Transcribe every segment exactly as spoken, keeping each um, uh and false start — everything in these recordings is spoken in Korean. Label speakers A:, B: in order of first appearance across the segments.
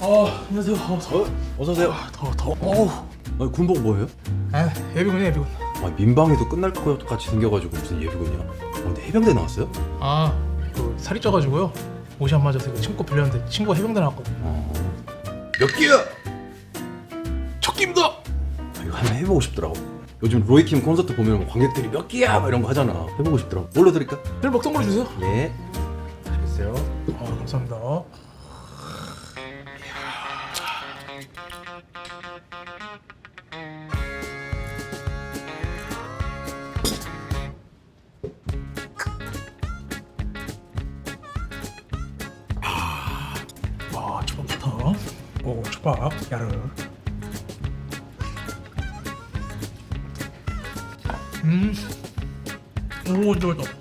A: 아, 안녕하세요. 어, 더,
B: 어서 오세요.
A: 아, 더, 더. 어우.
B: 아니 군복 뭐예요?
A: 아, 예비군이야, 예비군.
B: 아 민방위도 끝날 것 같이 생겨가지고 무슨 예비군이야? 아, 근데 해병대 나왔어요?
A: 아, 그 살이 쪄가지고요. 옷이 안 맞아서 친구 빌렸는데 친구가 해병대 나왔거든.
B: 어... 몇 기야?
A: 첫 끼입니다.
B: 아, 이거 한번 해보고 싶더라고. 요즘 로이킴 콘서트 보면 관객들이 몇 기야 막 이런 거 하잖아. 해보고 싶더라고. 뭘로 드릴까?
A: 늘 먹던 걸로 주세요.
B: 네. 알겠어요.
A: 아, 감사합니다. 와, 초밥부터. 오, 초밥, 야르. 음, 오, 진짜 맛있다.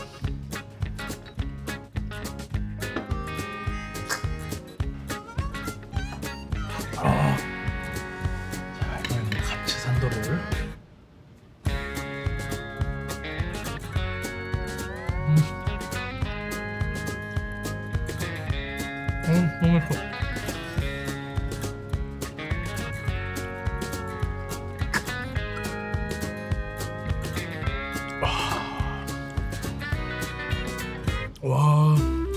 A: 아, 자, 이번에는 같이 산도를. 음, 음, 너무 맛있어. 와.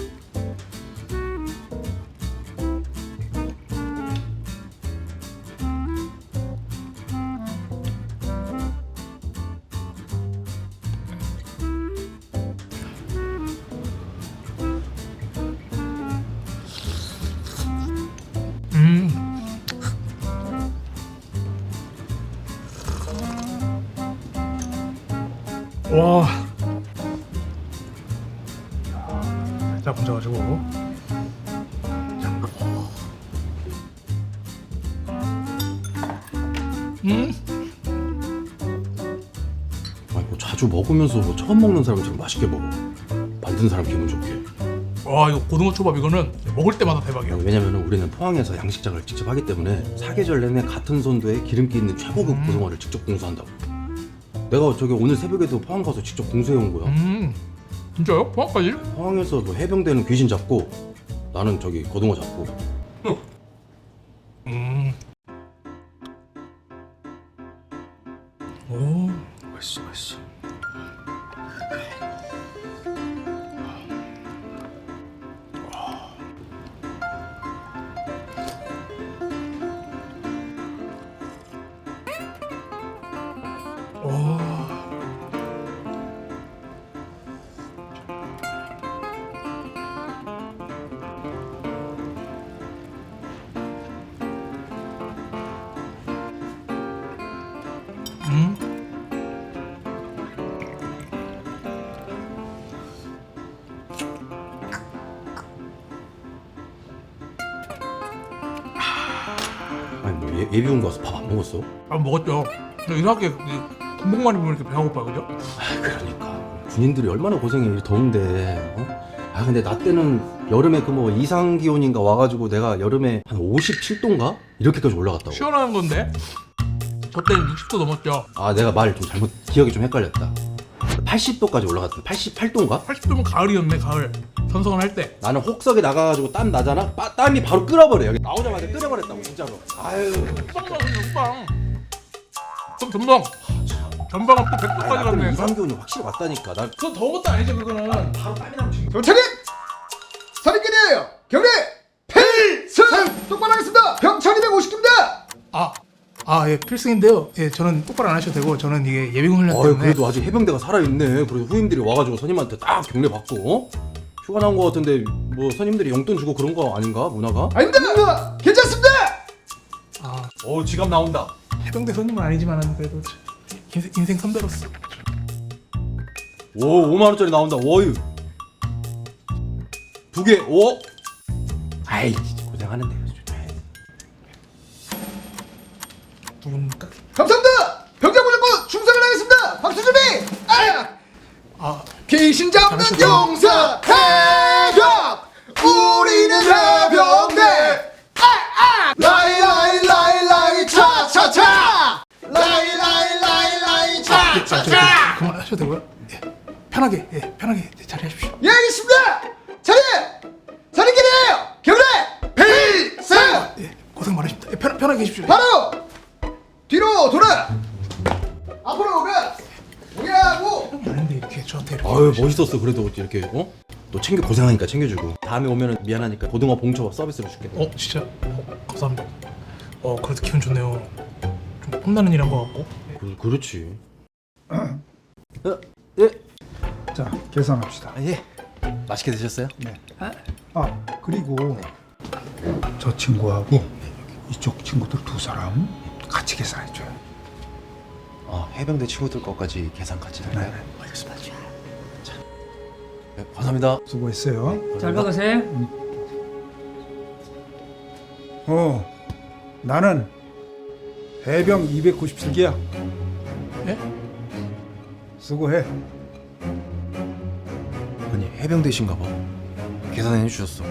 A: 음. 와. 살짝 얹어가지고. 음.
B: 아니 뭐 자주 먹으면서 뭐 처음 먹는 사람처럼 맛있게 먹어. 만든 사람 기분 좋게.
A: 와, 이거 고등어 초밥 이거는 먹을 때마다 대박이야.
B: 왜냐면 우리는 포항에서 양식장을 직접 하기 때문에 사계절 내내 같은 선도에 기름기 있는 최고급
A: 음.
B: 고등어를 직접 공수한다고. 내가 저기 오늘 새벽에도 포항 가서 직접 공수해 온 거야.
A: 음. 진짜요? 포항까지?
B: 포항에서 뭐 해병대는 귀신 잡고 나는 저기 고등어 잡고.
A: 음. 오, 맛있어, 맛있어. 오. 음.
B: 아니 뭐 예, 예비군 가서 밥 안 먹었어?
A: 아, 먹었죠. 근데 이상하게 이 군복만 입으면 이렇게 배가 고파, 그죠?
B: 아 그러니까 군인들이 얼마나 고생해 이 더운데. 어? 아 근데 나 때는 여름에 그 뭐 이상 기온인가 와가지고 내가 여름에 한 오십칠 도인가 이렇게까지 올라갔다고.
A: 시원한 건데. 저 때는 육십 도 넘었죠.
B: 아 내가 말 좀 잘못 기억이 좀 헷갈렸다. 팔십 도까지 올라갔다. 팔십팔 도인가?
A: 팔십 도면 가을이었네, 가을. 선성을 할 때.
B: 나는 혹석에 나가가지고 땀 나잖아. 빠, 땀이 바로 끓어버려. 여기 나오자마자 끓여버렸다고 진짜로. 아유.
A: 후방 나왔네, 후방. 그럼 전방. 전방은 또 백 도까지
B: 나 때는
A: 갔네.
B: 이상 기온이 확실히 왔다니까. 나
A: 그건 더운 것도 아니죠, 그거는.
B: 바로 땀이 나면 지금.
C: 경찰님! 살인견이에요! 경례! 필승! 똑바로 하겠습니다! 병철 이백오십 기입니다!
A: 아, 아, 예, 필승인데요. 예, 저는 똑바로 안 하셔도 되고, 저는 이게 예비군 훈련
B: 어이
A: 때문에.
B: 그래도 아직 해병대가 살아있네. 그래도 후임들이 와가지고 선임한테 딱 경례 받고 어? 휴가 나온 거 같은데 뭐 선임들이 용돈 주고 그런 거 아닌가 문화가?
C: 아닙니다! 괜찮습니다!
A: 아,
B: 어 지갑 나온다.
A: 해병대 선임은 아니지만은 그래도 인생, 인생 선배로서.
B: 오 오만 원짜리 나온다. 워유 두 개. 오. 아이 진짜 고생하는데.
A: 누굽니까?
C: 감사합니다! 병장 무조건 충성을 하겠습니다! 박수 준비! 아!
A: 아,
C: 귀신 잡는
A: 잘하셨다.
C: 용사 해병! 우리는 해병대! 아! 아! 라이 라이 라이 라이 차차차! 라이 라이 라이 라이 차차차!
A: 그만하셔도 되고요. 예, 편하게, 예, 편하게 자리하십시오.
C: 예 알겠습니다! 자리! 살인견이에요! 경례! 필승!
A: 편하게 계십시오.
C: 바로 뒤로 돌아. 앞으로 가. 우야고.
A: 아닌데 이렇게 저한테 이렇게.
B: 아유 멋있었어. 그래도 이렇게 어? 너 챙겨 고생하니까 챙겨주고 다음에 오면은 미안하니까 고등어 봉초밥 서비스로 줄게.
A: 어 진짜? 어, 감사합니다. 어 그래도 기분 좋네요. 좀 폼나는 일 한 거 같고.
B: 그, 그렇지. 어, 예.
D: 자, 계산합시다.
B: 아, 예. 맛있게 드셨어요?
D: 네. 아, 그리고 저 친구하고 이쪽 친구들 두 사람 같이 계산해줘요.
B: 어, 해병대 친구들 것까지 계산 같이 할까요?
A: 알겠습니다.
B: 자, 네, 감사합니다.
D: 수고했어요.
E: 잘 먹으세요.
D: 어, 나는 해병 이백구십칠 기야.
A: 예?
D: 수고해.
B: 아니 해병대신가 봐. 계산해 주셨어.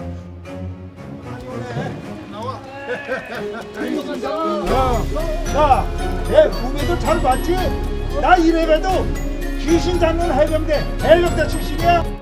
D: 야, 내 후배도 잘 봤지? 나 이래봬도 귀신 잡는 해병대 해병대 출신이야.